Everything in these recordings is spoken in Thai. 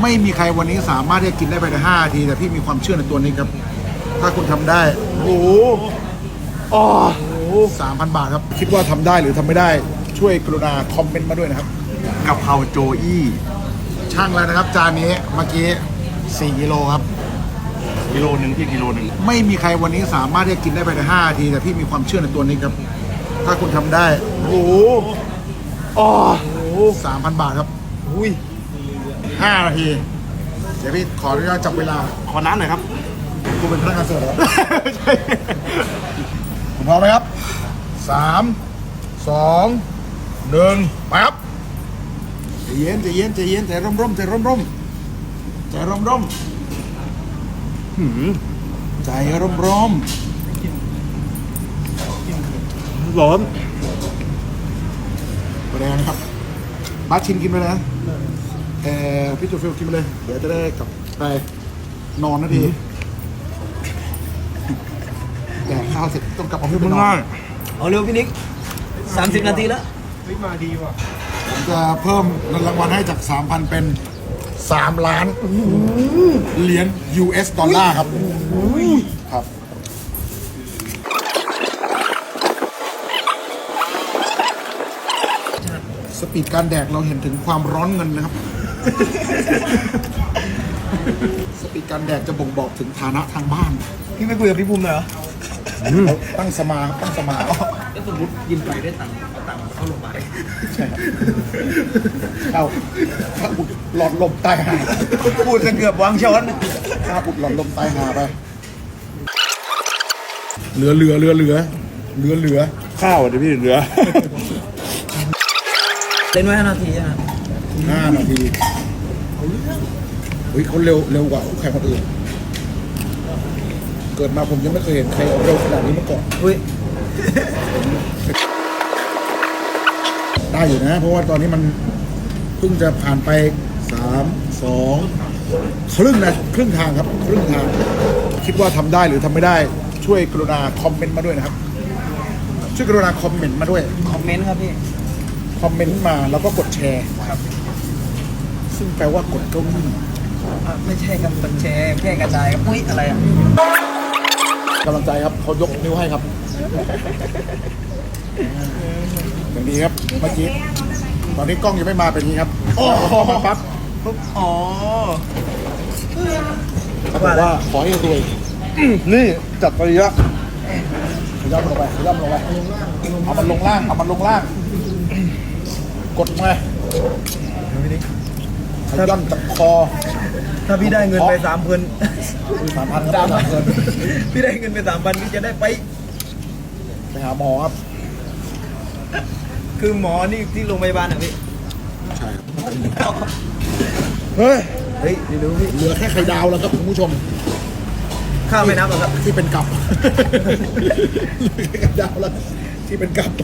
ไม่มีใครวันนี้สามารถที่จะกินได้ภายใน5 นาทีแต่พี่มีความเชื่อในตัวนี้ครับถ้าคุณทำได้โอ้โหอ๋อ3,000 บาทครับคิดว่าทำได้หรือทำไม่ได้ช่วยกรุณาคอมเมนต์มาด้วยนะครับกะเพราโจอี้ช่างแล้วนะครับจานนี้เมื่อกี้4 กิโลครับกิโลนึงพี่กิโลนึงไม่มีใครวันนี้สามารถที่จะกินได้ภายใน5 นาทีแต่พี่มีความเชื่อในตัวนี้ครับถ้าคุณทำได้โอ้โหอ๋อ3,000 บาทครับอุ้ย5 นาทีเดี๋ยวพี่ขออนุญาตจับเวลาขอน้ำหน่อยครับกูเป็นพนักงานเสิร์ฟเหรอคุณพร้อมไหมครับ3 2 1ไปครับใจเย็นใจเย็นใจเย็นใจร่มใจร่มใจร่มใจร่มร้อนแรงนะครับบัสชินกินไปเลยนะพี่จูฟิลกินไปเลยเดี๋ยวจะได้กลับไปนอนนาทีแต่ข้าวเสร็จต้องกลับออฟฟิศไปนอนเอาเร็วพี่นิก30 นาทีแล้วมาดีว่ะผมจะเพิ่มเงินรางวัลให้จาก 3,000 เป็น3 ล้านเหรียญ US ดอลลาร์ครับครับสปีดการแดกเราเห็นถึงความร้อนเงินนะครับสปีดการแดกจะบ่งบอกถึงฐานะทางบ้านพี่ไม่คุยกับพี่ภูมิเลยเหรอตั้งสมาแล้วสมมติยินไปได้ตังค์เอาตังค์เข้าโรงพยาบาลใช่เข้าอุดหลอดลมตายหาพูดจะเกือบวางช้อนข้าอุดหลอดลมตายหาไปเหลือข้าวเดี๋ยวพี่เหลือเล่นไว้5 นาทีนะ 5 นาทีเฮ้ยเขาเร็วกว่าคู่แข่งคนอื่นเกิดมาผมยังไม่เคยเห็นใครเร็วขนาดนี้มาก่อนได้อยู่นะเพราะว่าตอนนี้มันเพิ่งจะผ่านไป3 2ครึ่งทางครับครึ่งทางคิดว่าทำได้หรือทำไม่ได้ช่วยกรุณาคอมเมนต์มาด้วยนะครับช่วยกรุณาคอมเมนต์มาด้วยคอมเมนต์ครับพี่คอมเมนต์มาแล้วก็กดแชร์ครับซึ่งแปลว่ากดเก้าอี้ไม่ใช่ครับกดแชร์แค่กระจายครับอุ้ยอะไรอ่ะกำลังใจครับเขายกนิ้วให้ครับอย่างนี้ครับเมื่อกี้ตอนนี้กล้องยังไม่มาเป็นนี้ครับโอ้โหมาปั๊บอ๋อเขาบอกว่าขอให้รวยนี่จัดไปเยอะขย่ำลงไปเอามันลงล่างกดมาขย่ำจากคอถ้าพี่ได้เงินไป3,000 3,000ครับพี่ได้เงินไป3,000พี่จะได้ไปหาหมอครับคือหมอนี่ที่โรงพยาบาลอ่ะพี่ใช่ครับเฮ้ยดูพี่เหลือแค่ไข่ดาวแล้วครับคุณผู้ชมข้าวไม่นับหรอครับที่เป็นกับไข่ดาวแล้วที่เป็นกับ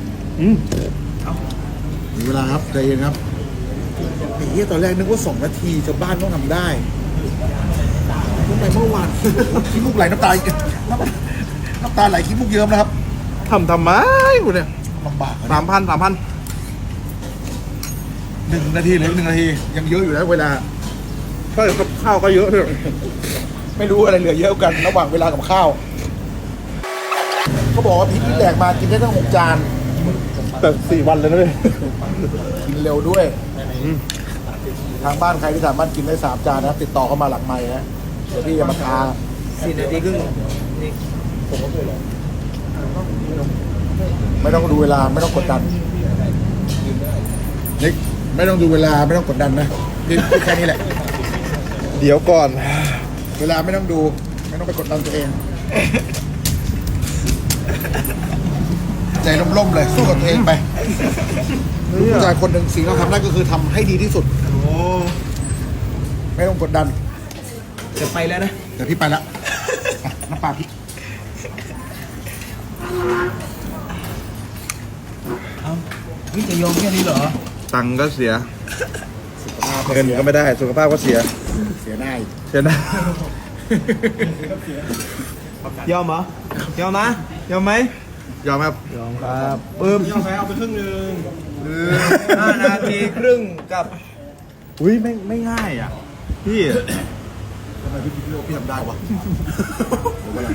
มีเวลาครับใจเย็นครับไอ้เหี้ยตอนแรกนึกว่า2 นาทีชาวบ้านต้องทำได้เมื่อวานขี้มูกไหลน้ำตาไหลขี้มูกเยิ้มนะครับทำไมกูเนี่ยลำบาก 3,000 1 นาทีหรือ1 นาทียังเยอะอยู่นะเวลาใช่กับข้าวก็เยอะด้วยไม่รู้อะไรเหลือเยอะกันระหว่างเวลากับข้าวเขาบอกว่าพริกที่แหลกมากินได้ตั้ง6 จานแต่4 วันเลยนะพี่กินเร็วด้วยทางบ้านใครที่สามารถกินได้3 จานนะติดต่อเข้ามาหลังไมค์นะเดี๋ยวพี่จะมาทา 4 นาทีครึ่งนี่ไม่ต้องดูเวลาไม่ต้องกดดันนิกไม่ต้องดูเวลาไม่ต้องกดดันนะนี่แค่นี้แหละเดี๋ยวก่อนเวลาไม่ต้องดูไม่ต้องไปกดดันตัวเองใจร่มๆเลยสู้กับตัวเองไปผู้ชายคนหนึ่งสิ่งที่เราทำได้ก็คือทำให้ดีที่สุดไม่ต้องกดดันจะไปแล้วนะเดี๋ยวพี่ไปแล้วน้ำปลาพี่พี่จะยอมแค่นี้เหรอตังก็เสียเงินก็ไม่ได้สุขภาพก็เสียได้ยอมเหรอยอมนะยอมไหมยอมครับยอมครับยอมไปเอาไปครึ่งนึง5 นาทีครึ่งกับอุ้ยไม่ง่ายอ่ะพี่ทำไมพี่คิดว่าพี่ทำได้วะผมเวลา